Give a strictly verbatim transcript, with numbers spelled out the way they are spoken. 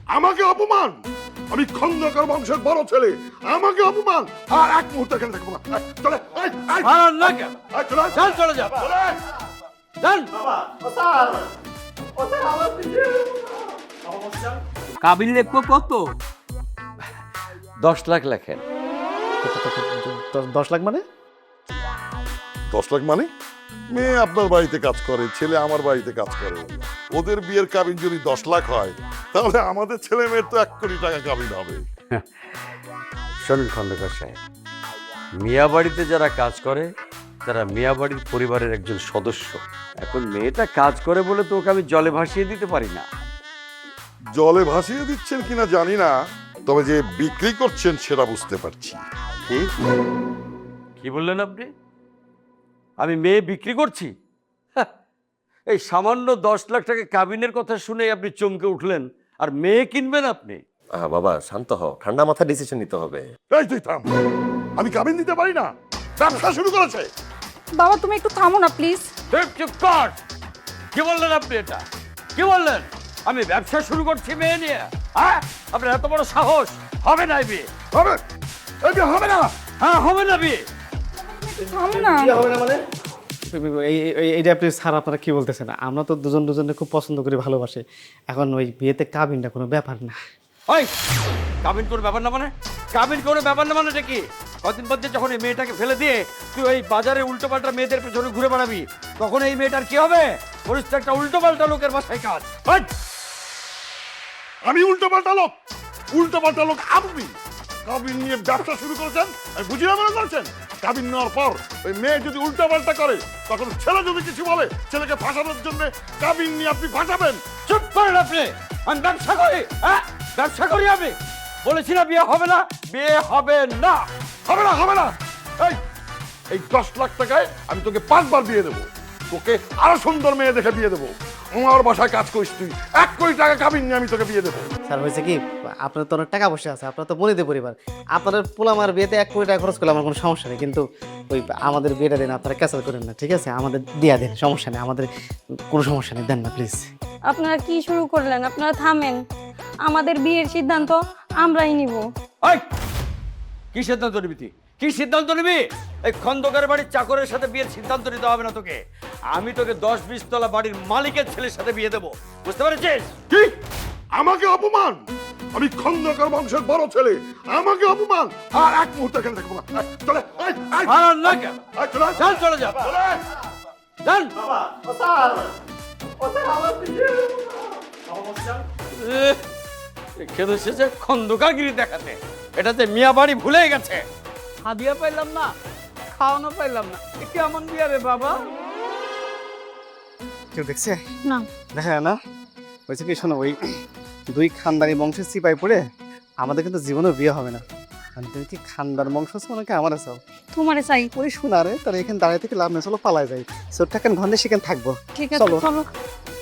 আমাকে অপমান, আমি খন্দকার বংশের বড় ছেলে, আমাকে অপমান, আর এক মুহূর্তে এখানে থাকবো না। এই, চলে এই, এই, আর না কেন? এই, চলে আয়। চল চলে যা চলে। চল। কাবিল লিখবো কত? দশ লাখ লেখেন। দশ লাখ মানে? দশ লাখ মানে? মেয়ে আপনার বাড়িতে কাজ করে, ছেলে আমার বাড়িতে কাজ করে, ওদের বিয়ের কাবিন যদি দশ লাখ হয় তাহলে আমাদের ছেলে মেয়ের তো এক কোটি টাকা কাবিন হবে। শোনেন খন্দকার সাহেব, মিয়া বাড়িতে যারা কাজ করে তারা মিয়া বাড়ির পরিবারের একজন সদস্য। এখন মেয়েটা কাজ করে বলে তো ওকে আমি জলে ভাসিয়ে দিতে পারি না। জলে ভাসিয়ে দিচ্ছেন কিনা জানি না, তবে যে বিক্রি করছেন সেটা বুঝতে পারছি। কি কি বললেন আপনি? আমি মেয়ে বিক্রি করছি? হ্যাঁ, এই সামান্য দশ লাখ টাকা কাবিনের কথা শুনে আপনি চমকে উঠলেন, আর মেয়ে কিনবেন আপনি? আহ, বাবা শান্ত হও, ঠান্ডা মাথায় ডিসিশন নিতে হবে। এই তুই থাম, আমি কাবিন দিতে পারি না, ব্যবসা শুরু করেছে। বাবা তুমি একটু থামো না প্লিজ। চুপ চুপ কর। কি বললেন আপনি? এটা কি বললেন? আমি ব্যবসা শুরু করছি মেয়ে নিয়ে? হ্যাঁ, আপনার এত বড় সাহস! হবে না এই বিয়ে। হবে এই বিয়ে হবে না। হ্যাঁ, হবে না বিয়ে। থামো না। এই- এই- এইটা আপনি স্যার আপনারা কি বলতেছেন? আমরা তো দুজন দুজনকে খুব পছন্দ করি, ভালোবাসি। এখন ওই বিয়েতে কাবিনটা কোনো ব্যাপার না। ওই কাবিন করে ব্যাপার না মানে? কাবিন করে ব্যাপার না মানে কি? কদিন পর যখন এই মেয়েটাকে ফেলে দিয়ে তুই ওই বাজারে উল্টো পাল্টা মেয়েদের পেছনে ঘুরে বেড়াবি, তখন এই মেয়েটার কি হবে? পরিস্থিতি একটা উল্টো পাল্টা লোকের বাসায় কাজ। ওই! আমি উল্টো পাল্টা লোক? উল্টো পাল্টা লোক আপনি। কাবিন নিয়ে ব্যবসা শুরু করেছেন, আমি বুঝি না মনে করছেন? কাবিন নেওয়ার পর ওই মেয়ে যদি উল্টো পাল্টা করে, তখন ছেলে যদি কিছু বলে, ছেলেকে ফাঁসানোর জন্য কাবিন নিয়ে আপনি ফাঁসাবেন। চুপ করেন আপনি। আমি ব্যবসা করি, হ্যাঁ ব্যবসা করি আমি। বলেছি না বিয়ে হবে না, বিয়ে হবে না। হবে না, হবে না। এই এই দশ লাখ টাকায় আমি তোকে পাঁচবার বিয়ে দেবো, তোকে আরো সুন্দর মেয়ে দেখে বিয়ে দেবো। আমার বাসায় কাজ করিস তুই, এক কোটি টাকা কাবিন নিয়ে আমি তোকে বিয়ে দেবো। স্যার হয়েছে কি, আপনার তো অনেক টাকা পয়সা আছে, আপনার তো বনিতে পরিবার, আপনাদের পোলামার বিয়েতে এক কোটি টাকা খরচ করলে আমার কোনো সমস্যা নেই, কিন্তু ওই আমাদের বিয়েটা দেন, আপনারা ক্যান্সেল করেন না, ঠিক আছে? আমাদের দিয়া দেন, সমস্যা নেই, আমাদের কোনো সমস্যা নেই, দেন না প্লিজ। আপনারা কি শুরু করলেন? আপনারা থামেন। আমাদের বিয়ের সিদ্ধান্ত আমরাই নিব। ওই কি সিদ্ধান্ত নিবি তুই? কি সিদ্ধান্ত নিবি? এই খন্দকার বাড়ির চাকরের সাথে বিয়ের সিদ্ধান্ত নিতে হবে না তোকে। আমি তোকে দশ বিশ তলা বাড়ির মালিকের ছেলের সাথে বিয়ে দেবো, বুঝতে পেরেছিস? কি? আমাকে অপমান, আমি খন্দকার বংশের বড় ছেলে, আমাকে অপমান, আর এক মুহূর্তে এখানে থাকবো না। এই, চলে এই, এই, আর না কেন? এই, চলে আয়। চল চলে যা চলে আয়। চল। এহ, খেতে এসেছে খন্দকারগিরি দেখাতে। এটাতে মিয়া বাড়ি ভুলে গেছে। হাদিয়া পাইলাম না, খাওয়ানো পাইলাম না, এ কেমন বিয়া রে বাবা? কেউ দেখছে? না। দেখা যায় না? হয়েছে কি, শোনো, ওই দুই খানদানি বংশের চিপাই পড়ে আমাদের কিন্তু জীবনেও বিয়ে হবে না। আর তুমি কি খানদার বংশ আছো নাকি আমার আছো? তোমারে চাই। ওই শোনা রে, তাহলে এখানে দাঁড়িয়ে থেকে লাভ নেই, চলো পালাই যাই। ছোট্ট এখন ঘন্টে সেখানে থাকবো। ঠিক আছে চলো। চলো।